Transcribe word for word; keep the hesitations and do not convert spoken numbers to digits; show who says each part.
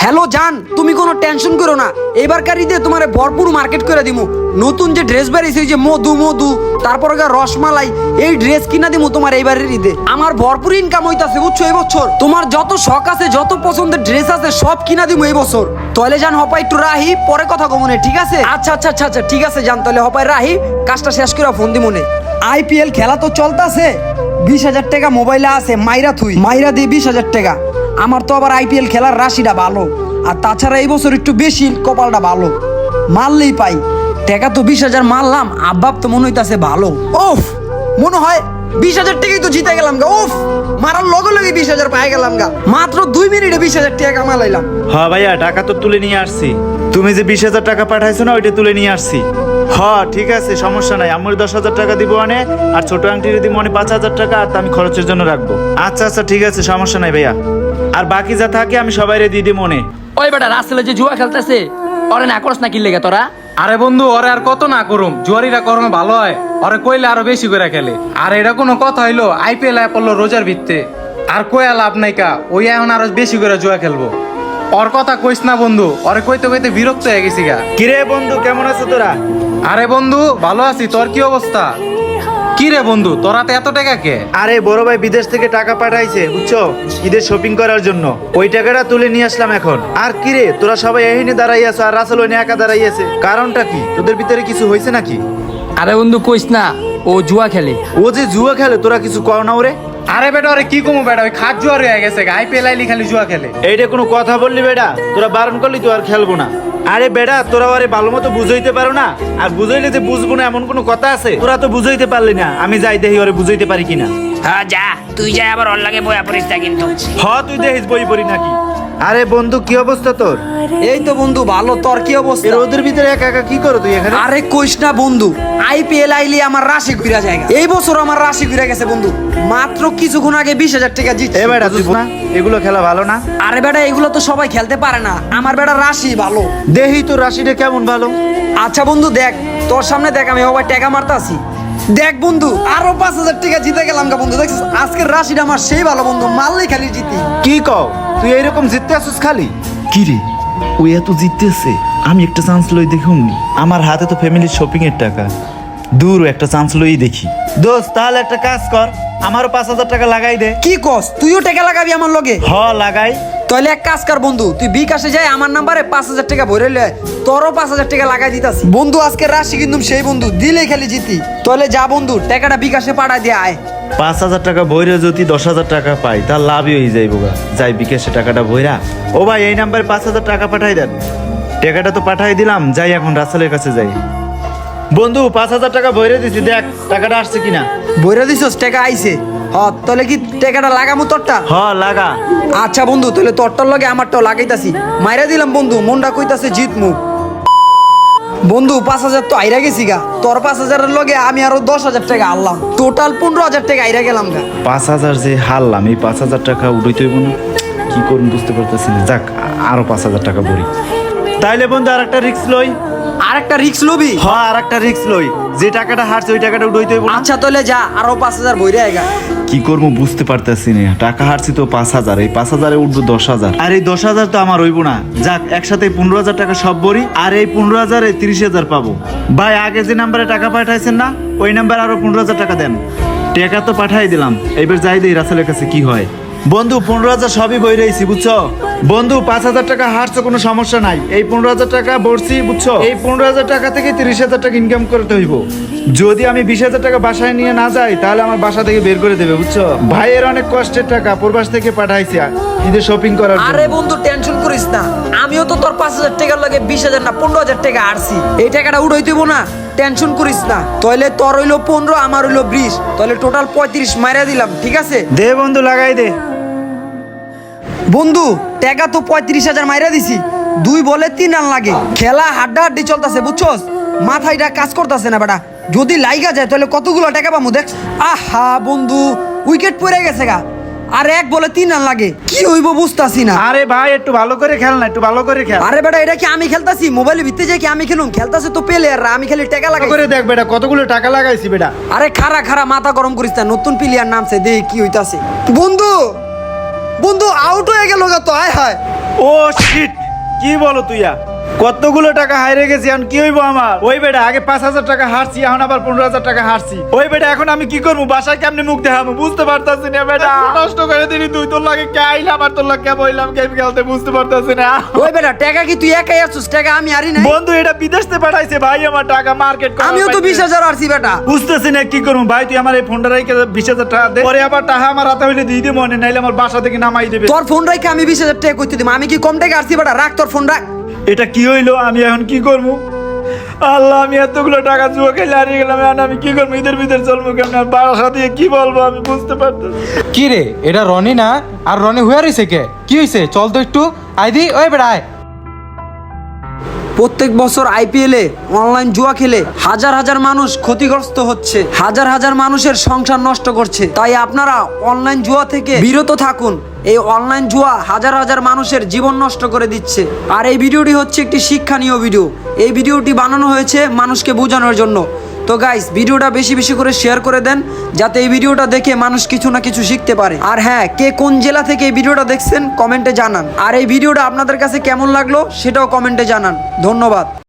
Speaker 1: Hello জান, তুমি কোনো টেনশন করো না, এবারকার ঈদে তোমার ভরপুর মার্কেট করে দিমু। নতুন যে ড্রেস বেরিয়েছে যে মধু মধু তারপর রসমালাই, এই ড্রেস কিনা দিমু তোমার এইবারের ঈদে। আমার ভরপুর ইনকাম হইতাছে বুঝছো এই বছর। তোমার যত শখ আছে যত পছন্দের ড্রেস আছে সব কিনা দিমু এই বছর। তাহলে জান হপাই একটু রাহি, পরে কথা কমনে, ঠিক আছে? আচ্ছা আচ্ছা আচ্ছা আচ্ছা ঠিক আছে জান, তাহলে হপাই রাহি, কাজটা শেষ করে ফোন দিমনে। আইপিএল খেলা তো চলতেছে, বিশ হাজার টাকা মোবাইলে আছে, মাইরা থুই মাইরা দিয়ে বিশ হাজার টাকা। আমার তো আবার আইপিএল খেলার রাশিটা ভালো, আর তাছাড়া এই বছর একটু বেশি কপালটা ভালো, মারলেই পাই টাকা। তো বিশ হাজার মারলাম, আব্বাব তো মনে হইতাছে ভালো। ওফ, মনে হয় বিশ হাজার টাকাই তো জিতে গেলাম গা। ওফ, মারার লগে লগে বিশ হাজার পাই গেলাম গা, মাত্র দুই মিনিটে বিশ হাজার টাকা কামালাইলাম।
Speaker 2: হ্যাঁ ভাইয়া, টাকা তো তুলে নিয়ে আসছি। তুমি যে বিশ হাজার টাকা পাঠাইছো না, ওইটা তুলে নিয়ে আসছি। হ্যাঁ ঠিক আছে, সমস্যা নাই। আমার দশ হাজার টাকা দিব অনে, আর ছোট আংটির দিব অনে পাঁচ হাজার টাকা, আর তা আমি খরচের জন্য রাখবো। আচ্ছা আচ্ছা ঠিক আছে, সমস্যা নাই ভাইয়া। আর বাকি যা থাকে আমি সবাইরে দিয়ে দিই মনে।
Speaker 3: ওই বেটা রাসেলে যে জুয়া খেলতেছে, ওরে না করস না কি লেগে তোরা?
Speaker 4: আরে বন্ধু, ওরে আর কত না করুম, জুয়ারিরা করমে ভালো হয়, ওরে কইলে আরো বেশি করে খেলে। আর এটা কোনো কথা হইলো? আইপিএল আয় পড়লো রোজার ভিত্তে, আর কয়া লাভ নাই কা, ওই এখন আরো বেশি করে জুয়া খেলবো। ওর কথা কইস না বন্ধু, ওরে কইতে কইতে বিরক্ত হয়ে গেছি গা।
Speaker 2: কিরে বন্ধু, কেমন আছো তোরা?
Speaker 4: আরে বন্ধু ভালো আছি, তোর কি অবস্থা? কি রে বন্ধু, তোরা তো এত টাকা কে?
Speaker 2: আরে বড় ভাই বিদেশ থেকে টাকা পাঠাইছে বুঝছো, ঈদের শপিং করার জন্য। ওই টাকাটা তুলে নিয়ে আসলাম এখন। আর কিরে, তোরা সবাই এখানে দাঁড়াই আছো, আর রাসেল ওই একা দাঁড়াই আছে, কারণটা কি? তোদের ভিতরে কিছু হয়েছে নাকি?
Speaker 3: আরে বন্ধু কইস না, ও জুয়া খেলে।
Speaker 2: ও যে জুয়া খেলে, তোরা কিছু কও না ওরে?
Speaker 4: আরে বেটা, ওরে কি কমু বেটা, ওই খাট জুয়ার হয়ে গেছে, আইপিএল আইলি খালি জুয়া খেলে।
Speaker 2: এইটা কোনো কথা বললি বেটা? তোরা বারণ করলি তো আর খেলবো না। আরে বেটা, তোরা ওরে ভালো মতো বুঝাইতে পারো না, আর বুঝাইলে যে বুঝবো না এমন কোনো কথা আছে? তোরা তো বুঝাইতে পারলি না, আমি যাই দেখি ওরে বুঝাইতে পারি কিনা।
Speaker 5: হ্যাঁ যা, তুই যা, আবার ওর লাগে বয়া পড়িস না কিন্তু।
Speaker 2: হ, তুই দেখিস বই পড়ি নাকি। আরে বন্ধু, কি অবস্থা তোর?
Speaker 1: এই তো বন্ধু ভালো, তোর কি অবস্থা?
Speaker 2: এর ওদের ভিতরে একা একা কি করো তুই এখানে?
Speaker 1: আরে কইস না বন্ধু, আইপিএল আইলি আমার রাশি ঘুরা জায়গা। এই বছর আমার রাশি ঘুরে গেছে বন্ধু, মাত্র কিছুক্ষণ আগে বিশ হাজার টাকা জিতছি।
Speaker 2: এ বেটা, তুই না এগুলো খেলা ভালো না?
Speaker 1: আরে বেটা, এগুলো তো সবাই খেলতে পারে না, আমার বেটা রাশি ভালো।
Speaker 2: দেহি তোর রাশিটা কেমন ভালো।
Speaker 1: আচ্ছা বন্ধু দেখ, তোর সামনে দেখ আমি সবাই টাকা মারতাছি। দেখ বন্ধু, আরো পাঁচ হাজার টাকা জিতে গেলাম গা বন্ধু। দেখছিস আজকের রাশিটা আমার সেই ভালো বন্ধু, মারলেই খালি জিতি।
Speaker 2: কি কও, তুই এইরকম জিততে আসছিস খালি?
Speaker 6: কি রে, ওই এত জিততেছে, আমি একটা চান্স লই দেখুন।
Speaker 2: আমার হাতে তো ফ্যামিলির শপিং এর টাকা, দূর একটা চান্স লই দেখি। দোস্ত তাহলে একটা কাজ কর, আমারও পাঁচ হাজার টাকা লাগাই দে।
Speaker 1: কি কস, তুইও টাকা লাগাবি আমার লগে?
Speaker 2: হ লাগাই।
Speaker 1: তাহলে এক কাজ কর বন্ধু, তুই বিকাশে যাই আমার নাম্বারে পাঁচ হাজার টাকা ভরে লে, তোরও পাঁচ হাজার টাকা লাগাই দিতাছি বন্ধু। আজকে রাশি কিন্তু সেই বন্ধু, দিলেই খালি জিতি। তাহলে যা বন্ধু, টাকাটা বিকাশে পাঠাই দিয়ে আয়।
Speaker 2: পাঁচ হাজার টাকা বইরে যদি দশ হাজার টাকা পাই, তার লাভই হয়ে যাইব গা। যাই বিকাশে টাকাটা বইরা। ও ভাই, এই নাম্বারে পাঁচ হাজার টাকা পাঠাই দেন। টাকাটা তো পাঠাই দিলাম, যাই এখন রাসেলের কাছে যাই। বন্ধু, পাঁচ হাজার টাকা বইরে দিছি, দেখ টাকাটা আসছে কিনা।
Speaker 1: ভরে দিছস, টাকা আইছে? হ, তাহলে কি টাকাটা লাগামু তোরটা?
Speaker 2: হ লাগা।
Speaker 1: আচ্ছা বন্ধু, তাহলে তোরটার লগে আমারটাও লাগাইতাছি। মাইরা দিলাম বন্ধু, মনটা কইতাছে জিতমু। বন্ধু পাঁচ হাজার তো আইরা গেছি গা, তোর পাঁচ হাজারের লগে আমি আরো দশ হাজার টাকা আনলাম, টোটাল পনেরো হাজার টাকা আইরা গেলাম গা।
Speaker 2: পাঁচ হাজার যে হারলাম, এই পাঁচ হাজার টাকা উড়াইতে হইব না, কি করুন বুঝতে পারতেছি না। যাক, আরো পাঁচ হাজার টাকা ভরি। তাইলে বন্ধু আর একটা রিক্স লই।
Speaker 1: আর একটা রিক্স লবি?
Speaker 2: হ, আর একটা রিক্স লই। যে টাকাটা হারছে ওই টাকাটা উড়াইতে হইব না।
Speaker 1: আচ্ছা তাহলে যা, আরো পাঁচ হাজার বইরে আইগা।
Speaker 2: কি করবো বুঝতে পারতেছি না, টাকা হারছি তো পাঁচ হাজার, এই পাঁচ হাজারে উঠবো দশ হাজার, আর এই দশ হাজার তো আমার হইব না। যাক, একসাথে পনেরো হাজার টাকা সব ভরি, আর এই পনেরো হাজারে তিরিশ হাজার পাবো। ভাই, আগে যে নাম্বারে টাকা পাঠাইছেন না, ওই নাম্বারে আরো পনেরো হাজার টাকা দেন। টাকা তো পাঠাই দিলাম, এবার যাই দিই রাসেলের কাছে কি হয়। বন্ধু, পনেরো হাজার সবই বই রয়েছি বুঝছো। বন্ধু, পাঁচ হাজার টাকা হারছো কোনো সমস্যা নাই, এই পনেরো হাজার টাকা ভরছি বুঝছো। এই পনেরো হাজার টাকা থেকে তিরিশ হাজার টাকা ইনকাম করতে হইব। যদি আমি বিশ হাজার টাকা বাসায় নিয়ে না যাই, তাহলে আমার বাসা থেকে বের করে দেবে বুঝছো। ভাইয়ের অনেক কষ্টের টাকা প্রবাস থেকে পাঠাইছি ঈদের শপিং করার জন্য।
Speaker 1: আরে বন্ধু টেনশন করিস না, আমিও তো তোর পাঁচ হাজার টাকার লগে বিশ হাজার না পনেরো হাজার টাকা আরছি, এই টাকাটা উড়াই দেবো না, টেনশন করিস না। তাহলে তোর হইলো পনেরো, আমার হইলো বিশ, তাহলে টোটাল পঁয়ত্রিশ মাইরা দিলাম, ঠিক আছে?
Speaker 2: দে বন্ধু, লাগাই দে।
Speaker 1: বন্ধু টাকা তো পঁয়ত্রিশ হাজার মাইরা দিছি, দুই বলে তিন রান লাগে, খেলা হাড্ডা হাড্ডি চলতেছে বুঝছস, মাথায়টা কাজ করতেছে না বেটা। যদি লাইগা যায় তাহলে কতগুলো টাকা পাবো দেখ। আহা বন্ধু, উইকেট পড়ে গেছে গা, আর এক বলে তিন রান লাগে, কি হইব বুঝতাছি না।
Speaker 2: আরে ভাই, একটু ভালো করে খেল না, একটু ভালো করে খেল।
Speaker 1: আরে বেটা, এটা কি আমি খেলতাছি? মোবাইলে ভিতরে যাই কি আমি খেলুম? খেলতাছে তো প্লেয়াররা, আমি খালি টাকা লাগাই
Speaker 2: করে দেখ বেটা, কতগুলো টাকা লাগাইছি বেটা।
Speaker 1: আরে খারা খারা মাথা গরম করিস না, নতুন প্লেয়ার নামছে, দেখি কি হইতাছে। বন্ধু বন্ধু আউট হয়ে গেল গা তো, আয় হায়।
Speaker 2: ও শিট, কি বলো তুইয়া? কতগুলো টাকা হারিয়ে গেছি, এখন কি হইবো আমার? ওই বেটা আগে পাঁচ হাজার টাকা হারছি, এখন আবার পনেরো হাজার টাকা হারছি। ওই বেটা এখন আমি কি করবো? বাসায় কেমনে মুখ দেখাবো বুঝতে পারতাছি না বেটা। নষ্ট করে দিলি তুই, তোর লাগে কে আইলাম আর তোর লাগে কে বইলাম গেম খেলতে বুঝতে পারতাছি না।
Speaker 1: ওই বেটা টাকা কি তুই একাই আসছিস? টাকা আমি আরি নাই।
Speaker 2: বন্ধু এটা বিদেশ থেকে পাঠাইছে ভাই, আমার টাকা মার্কেট করা
Speaker 1: আমিও তো বিশ হাজার আরছি বেটা।
Speaker 2: বুঝতেছি না কি করবো ভাই। তুই আমার এই ফোনটা রেখে বিশ হাজার টাকা দে, পরে আবার টাকা আমার হাতে হইলে দিয়ে দিবো, নাইলে আমার বাসা থেকে নামাই দেবে।
Speaker 1: তোর ফোন রাখে আমি বিশ হাজার টাকা করতে দিব? আমি কি কম টাকা আরছি বেটা? রাখ তোর ফোন রাখ।
Speaker 2: এটা কি হইলো? আমি এখন কি করবো? আল্লাহ, আমি এতগুলো টাকা জুয়া খেলে হারিয়ে গেলাম, এখন আমি কি করবো? ঈদের ভিতরে চলবো কেমন? আর বাসা দিয়ে কি বলবো আমি বুঝতে পারতেছি।
Speaker 4: কি রে, এটা রনি না? আর রনি হুয়ার হইছে কে? কি হইছে? চল তো একটু আইদি। ওই বেড়া আয়।
Speaker 1: প্রত্যেক বছর আইপিএলে অনলাইন জুয়া খেলে হাজার হাজার মানুষ ক্ষতিগ্রস্ত হচ্ছে, হাজার হাজার মানুষের সংসার নষ্ট করছে। তাই আপনারা অনলাইন জুয়া থেকে বিরত থাকুন। এই অনলাইন জুয়া হাজার হাজার মানুষের জীবন নষ্ট করে দিচ্ছে। আর এই ভিডিওটি হচ্ছে একটি শিক্ষণীয় ভিডিও। এই ভিডিওটি বানানো হয়েছে মানুষকে বোঝানোর জন্য। তো গাইস, ভিডিওটা বেশি বেশি করে শেয়ার করে দেন, যাতে এই ভিডিওটা দেখে মানুষ কিছু না কিছু শিখতে পারে। আর হ্যাঁ, কে কোন জেলা থেকে এই ভিডিওটা দেখছেন কমেন্টে জানান। আর এই ভিডিওটা আপনাদের কাছে কেমন লাগলো সেটাও কমেন্টে জানান। ধন্যবাদ।